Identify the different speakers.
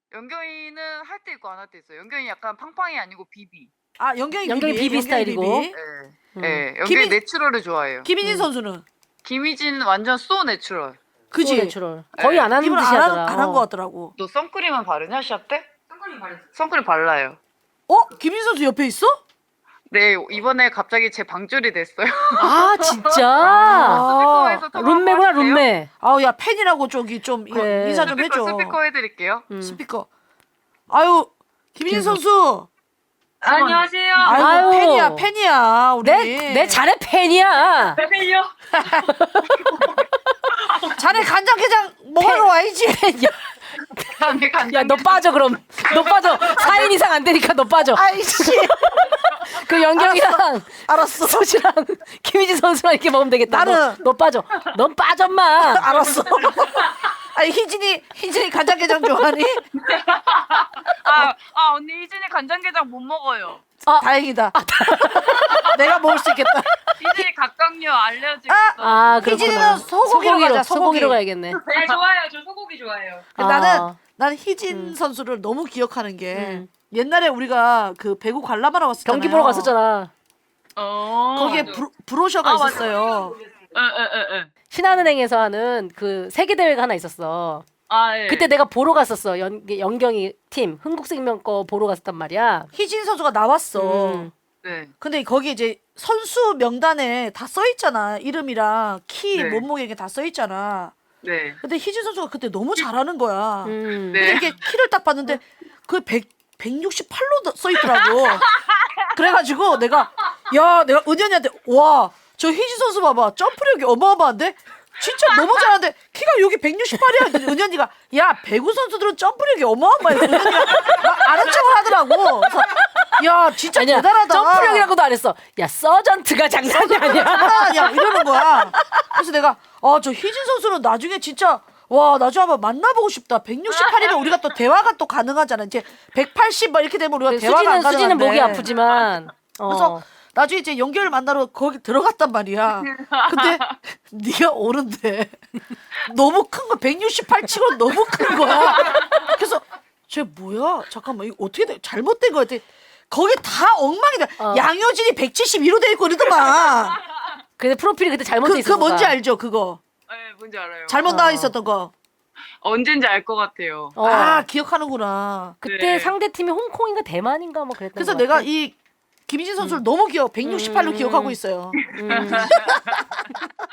Speaker 1: 연경이는 할 때 있고 안 할 때 있어요. 연경이 약간 팡팡이 아니고 비비.
Speaker 2: 아 연경이
Speaker 3: 비비 스타일이고.
Speaker 2: 비비.
Speaker 1: 네, 연경이 내추럴을 좋아해요.
Speaker 2: 김희진 선수는
Speaker 1: 김희진 완전 소 내추럴.
Speaker 2: 그지?
Speaker 3: 내추럴. 거의 안 하는
Speaker 2: 입을
Speaker 3: 듯이 하더라.
Speaker 2: 안한 것 같더라고.
Speaker 1: 너 선크림은 바르냐 시합 때? 선크림 발라요.
Speaker 2: 김희진 선수 옆에 있어?
Speaker 1: 네, 이번에 갑자기 제 방줄이 됐어요.
Speaker 3: 아 진짜.
Speaker 1: 스피커에서 통화
Speaker 3: 룸메구나
Speaker 1: 한번 하실래요?
Speaker 3: 룸메.
Speaker 2: 아우 야 팬이라고 저기 좀 이거
Speaker 3: 그래.
Speaker 2: 인사 좀 해줘.
Speaker 1: 스피커 해드릴게요.
Speaker 2: 스피커. 아유 김희진 선수.
Speaker 4: 안녕하세요.
Speaker 2: 아유,
Speaker 3: 아유.
Speaker 2: 팬이야 우리.
Speaker 3: 내 자네 팬이야.
Speaker 4: 팬이요?
Speaker 2: 자네 간장게장 먹으러 와야지.
Speaker 3: 야 너 빠져 그럼. 너 빠져. 4인 이상 안 되니까 너 빠져.
Speaker 2: 아이씨.
Speaker 3: 그 연경이랑
Speaker 2: 알았어.
Speaker 3: 소지랑 김희진 선수랑 이렇게 먹으면 되겠다.
Speaker 2: 나는-
Speaker 3: 너 빠져. 넌 빠져 마.
Speaker 2: 알았어. 아니 희진이 간장게장 좋아하니?
Speaker 1: 언니 희진이 간장게장 못 먹어요.
Speaker 2: 다행이다. 내가 먹을 수 있겠다.
Speaker 1: 희진이 각각류 알레르기
Speaker 3: 아
Speaker 2: 희진이는
Speaker 3: 그렇구나.
Speaker 2: 소고기로 가자.
Speaker 3: 소고기로 가야겠네.
Speaker 4: 네, 좋아요. 저 소고기 좋아해요.
Speaker 2: 나는 희진 선수를 너무 기억하는 게 옛날에 우리가 그 배구 관람하러 왔었잖아요.
Speaker 3: 경기 보러 갔었잖아.
Speaker 2: 거기에 브로셔가 있었어요.
Speaker 3: 신한은행에서 하는 그 세계 대회가 하나 있었어.
Speaker 1: 예.
Speaker 3: 그때 내가 보러 갔었어. 연경이 팀 흥국생명 거 보러 갔었단 말이야.
Speaker 2: 희진 선수가 나왔어.
Speaker 1: 네.
Speaker 2: 근데 거기 이제 선수 명단에 다 써 있잖아. 이름이랑 키,
Speaker 1: 네.
Speaker 2: 몸무게 이게 다 써 있잖아.
Speaker 1: 네.
Speaker 2: 근데 희진 선수가 그때 너무 잘하는 거야.
Speaker 1: 네.
Speaker 2: 근데 이게 키를 딱 봤는데 그 168로 써 있더라고. 그래가지고 내가 은현이한테 와, 저 희진 선수 봐봐. 점프력이 어마어마한데? 진짜 너무 잘하는데 키가 여기 168이야. 은현이가 야 배구 선수들은 점프력이 어마어마해. 은현이가 막 아는 척을 하더라고. 그래서 야 진짜
Speaker 3: 아니야,
Speaker 2: 대단하다.
Speaker 3: 점프력이라고도 안 했어. 야 서전트가 장난이 아니야.
Speaker 2: 야 이러는 거야. 그래서 내가 저 희진 선수는 나중에 진짜 나중에 한번 만나보고 싶다. 168이면 우리가 또 대화가 또 가능하잖아. 이제 180 막 이렇게 되면 우리가 대화가 안 가능한데.
Speaker 3: 수지는 목이 아프지만.
Speaker 2: 그래서 나중에 이제 연결을 만나러 거기 들어갔단 말이야. 근데 네가 오는데 너무 큰 거 168 치고 너무 큰 거야. 그래서 쟤 뭐야? 잠깐만 이거 어떻게 돼? 잘못된 거 같아. 거기 다 엉망이다. 양효진이 172로 돼 있고 이러더만.
Speaker 3: 근데 프로필이 그때 잘못돼 있었어.
Speaker 2: 그거 뭔지 알죠? 그거.
Speaker 1: 네, 뭔지 알아요.
Speaker 2: 잘못 나와 있었던 거.
Speaker 1: 언젠지 알 것 같아요.
Speaker 2: 기억하는구나.
Speaker 3: 그때
Speaker 1: 네.
Speaker 3: 상대 팀이 홍콩인가 대만인가 뭐 그랬던
Speaker 2: 그래서
Speaker 3: 것
Speaker 2: 내가
Speaker 3: 같아.
Speaker 2: 이 김희진 선수를 너무 168로 기억하고 있어요.